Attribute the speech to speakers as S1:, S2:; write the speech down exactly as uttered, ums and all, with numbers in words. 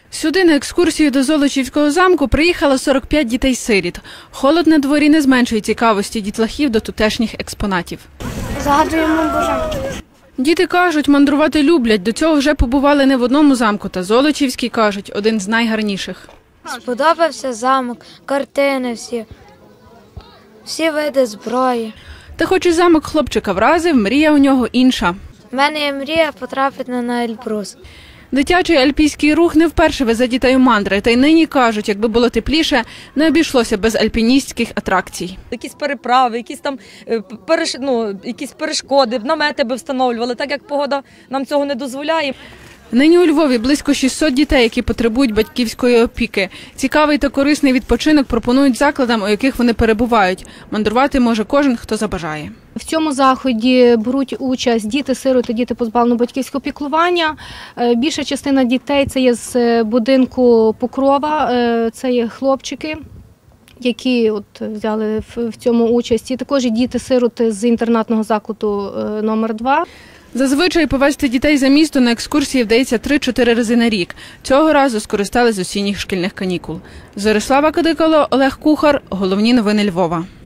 S1: Сюди на екскурсію до Золочівського замку приїхало сорок п'ять дітей-сиріт. Холод на дворі не зменшує цікавості дітлахів до тутешніх експонатів.
S2: Загадуємо бажання.
S1: Діти кажуть, мандрувати люблять. До цього вже побували не в одному замку, та Золочівський, кажуть, один з найгарніших.
S2: Сподобався замок, картини всі, всі види зброї.
S1: Та хоч і замок хлопчика вразив, мрія у нього інша.
S2: У мене є мрія потрапити на Ельбрус.
S1: Дитячий альпійський рух не вперше везе дітей у мандри, та й нині кажуть, якби було тепліше, не обійшлося без альпіністських атракцій.
S3: Якісь переправи, якісь там переш... ну, якісь перешкоди, намети би встановлювали, так як погода нам цього не дозволяє.
S1: Нині у Львові близько шістсот дітей, які потребують батьківської опіки. Цікавий та корисний відпочинок пропонують закладам, у яких вони перебувають. Мандрувати може кожен, хто забажає.
S4: В цьому заході беруть участь діти-сироти, діти позбавлені батьківського піклування. Більша частина дітей – це є з будинку Покрова, це є хлопчики, які от взяли в цьому участь. І також діти-сироти з інтернатного закладу номер два.
S1: Зазвичай повезти дітей за місто на екскурсії вдається три-чотири рази на рік. Цього разу скористались з осінніх шкільних канікул. Зорислава Кадикало, Олег Кухар. Головні новини Львова.